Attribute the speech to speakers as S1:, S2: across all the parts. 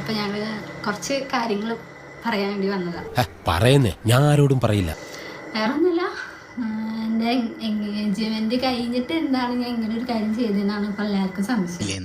S1: അപ്പൊ ഞങ്ങൾ കുറച്ച് കാര്യങ്ങൾ പറയാൻ വേണ്ടി വന്നതാണ്.
S2: പറയുന്നേ, ഞാൻ ആരോടും പറയില്ല.
S1: വേറെ ഒന്നുമില്ല, എൻ്റെ എൻഗേജ്മെന്റ് കഴിഞ്ഞിട്ട് എന്താണ് ഞാൻ ഇങ്ങനെ ഒരു കാര്യം ചെയ്തതെന്നാണ് ഇപ്പൊ എല്ലാവർക്കും സംശയം.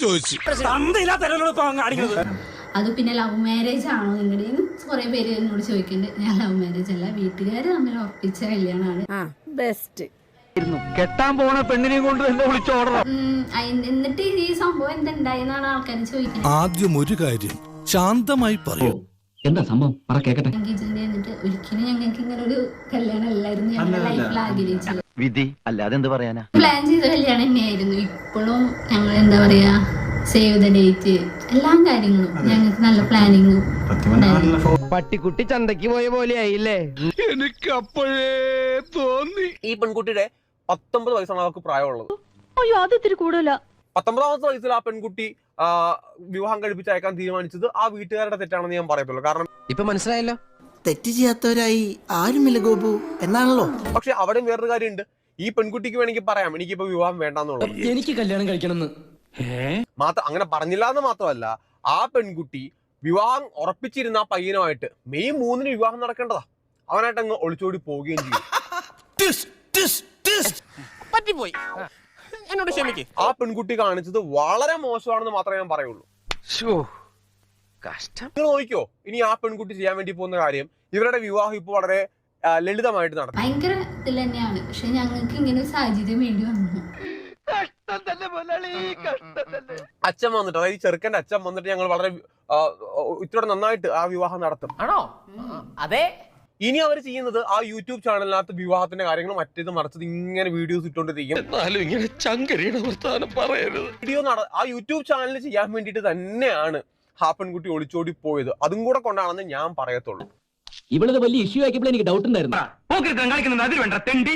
S1: അത് പിന്നെ ലവ് മാരേജ് ആണോ നിങ്ങളുടെയും കുറെ പേര് എന്നോട് ചോദിക്കുന്നുണ്ട്. ഞാൻ ലവ് മാരേജ് അല്ല, വീട്ടുകാർ തമ്മിൽ ഉറപ്പിച്ച കല്യാണമാണ്.
S3: കെട്ടാൻ പോണ പെണ്ണിനെ കൊണ്ട് എന്നെ വിളിച്ചോടണം.
S1: എന്നിട്ട് ഈ സംഭവം എന്തുണ്ടായെന്നാണ് ആൾക്കാർ ചോദിക്കുന്നത്.
S4: ആദ്യം ഒരു കാര്യം ശാന്തമായി പറയൂ.
S3: എന്താ സംഭവം?
S1: എൻഗേജ്മെന്റ് കഴിഞ്ഞിട്ട് ഒരിക്കലും ഞങ്ങൾക്ക് ഇങ്ങനെ ഒരു കല്യാണം അല്ലായിരുന്നു ഞങ്ങളുടെ ലൈഫിൽ ആഗ്രഹിച്ചത്.
S3: വിധി അല്ലാതെ എന്ത് പറയാനാ?
S1: പ്ലാൻ ചെയ്ത കല്യാണം തന്നെയായിരുന്നു. ഇപ്പോഴും ഞങ്ങൾ എന്താ പറയാ, സേവ് ദ ഡേറ്റ്, എല്ലാ കാര്യങ്ങളും ഞങ്ങൾക്ക് നല്ല പ്ലാനിങ്ങും.
S3: പട്ടിക്കുട്ടി ചന്തക്ക് പോയ പോലെ ആയില്ലേ?
S4: എനിക്ക് അപ്പോഴേ തോന്നി.
S5: ഈ പെൺകുട്ടിയുടെ 19 വയസ്സാണ് അവർക്ക് പ്രായമുള്ളത്.
S6: അയ്യോ, അത് ഇത്തിരി കൂടുതല.
S5: 19ാമത്തെ വയസ്സിൽ ആ പെൺകുട്ടി വിവാഹം കഴിപ്പിച്ച് അയക്കാൻ തീരുമാനിച്ചത് ആ വീട്ടുകാരുടെ തെറ്റാണെന്ന് ഞാൻ പറയത്തുള്ളൂ. കാരണം
S2: ഇപ്പൊ മനസ്സിലായല്ലോ,
S7: തെറ്റ് ചെയ്യാത്തവരായി ആരുമില്ല ഗോപു എന്നാണല്ലോ.
S5: പക്ഷെ അവിടെ വേറൊരു കാര്യമുണ്ട്. ഈ പെൺകുട്ടിക്ക് വേണമെങ്കിൽ പറയാം എനിക്കിപ്പോ വിവാഹം വേണ്ടെന്നുള്ളത്.
S3: എനിക്ക് കല്യാണം കഴിക്കണമെന്ന്
S5: അങ്ങനെ പറഞ്ഞില്ല എന്ന് മാത്രമല്ല, ആ പെൺകുട്ടി വിവാഹം ഉറപ്പിച്ചിരുന്ന ആ പയ്യനുമായിട്ട് മെയ് 3 വിവാഹം നടക്കേണ്ടതാ. അവനായിട്ട് അങ്ങ് ഒളിച്ചോടി പോവുകയും ചെയ്യും.
S2: പറ്റിപ്പോയി, എന്നോട് ക്ഷമിക്ക്.
S5: ആ പെൺകുട്ടി കാണിച്ചത് വളരെ മോശമാണെന്ന് മാത്രമേ ഞാൻ പറയുള്ളൂ. നിങ്ങൾ നോക്കിക്കോ, ഇനി ആ പെൺകുട്ടി ചെയ്യാൻ വേണ്ടി പോകുന്ന കാര്യം, ഇവരുടെ വിവാഹം ഇപ്പൊ വളരെ ലളിതമായിട്ട് നടക്കും.
S1: ഭയങ്കര ഇതിൽ തന്നെയാണ്. പക്ഷെ ഞങ്ങൾക്ക് ഇങ്ങനെ ഒരു സാഹചര്യം വേണ്ടി വന്നു.
S5: അച്ഛൻ വന്നിട്ട്, അതായത് ചെറുക്കന്റെ അച്ഛൻ വന്നിട്ട് ഞങ്ങൾ വളരെ ഇത്ര നന്നായിട്ട് ആ വിവാഹം നടത്തും.
S2: ആണോ? അതെ.
S5: ഇനി അവർ ചെയ്യുന്നത് ആ യൂട്യൂബ് ചാനലിനകത്ത് വിവാഹത്തിന്റെ കാര്യങ്ങൾ മറ്റേത് മറിച്ചത് ഇങ്ങനെ വീഡിയോസ് ഇട്ടുകൊണ്ടിരിക്കും. വീഡിയോ ആ യൂട്യൂബ് ചാനൽ ചെയ്യാൻ വേണ്ടിയിട്ട് തന്നെയാണ് ആ പെൺകുട്ടി ഒളിച്ചോടി പോയത്. അതും കൂടെ കൊണ്ടാണെന്ന് ഞാൻ പറയത്തുള്ളൂ.
S3: ഇവളത് വലിയ ഇഷ്യൂ ആക്കിയപ്പോൾ എനിക്ക് ഡൗട്ട് ഉണ്ടായിരുന്നു.